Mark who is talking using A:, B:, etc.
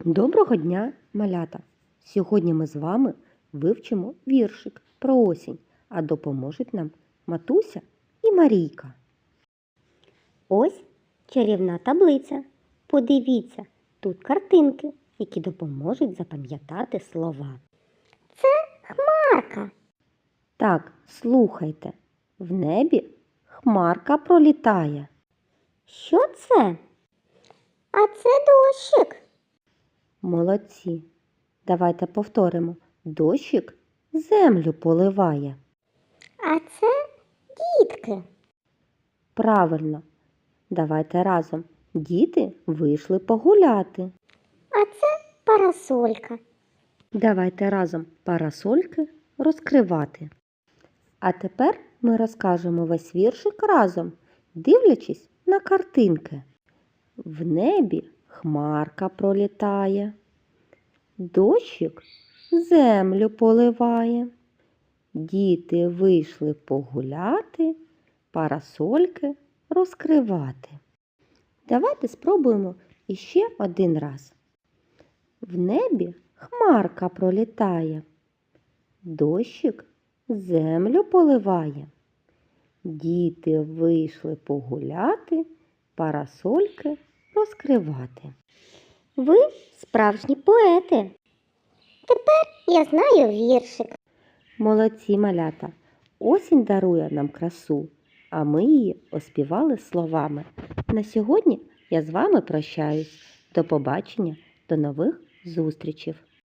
A: Доброго дня, малята! Сьогодні ми з вами вивчимо віршик про осінь, а допоможуть нам Матуся і Марійка.
B: Ось чарівна таблиця. Подивіться, тут картинки, які допоможуть запам'ятати слова. Це хмарка.
A: Так, слухайте, в небі хмарка пролітає.
B: Що це? А це дощик.
A: Молодці! Давайте повторимо. Дощик землю поливає.
B: А це дітки.
A: Правильно. Давайте разом. Діти вийшли погуляти.
B: А це парасолька.
A: Давайте разом парасольки розкривати. А тепер ми розкажемо весь віршик разом, дивлячись на картинки. В небі хмарка пролітає, дощик землю поливає. Діти вийшли погуляти, парасольки розкривати. Давайте спробуємо іще один раз. В небі хмарка пролітає, дощик землю поливає. Діти вийшли погуляти, парасольки розкривати.
B: Ви справжні поети. Тепер я знаю віршик.
A: Молодці, малята! Осінь дарує нам красу, а ми її оспівали словами. На сьогодні я з вами прощаюсь. До побачення, до нових зустрічей!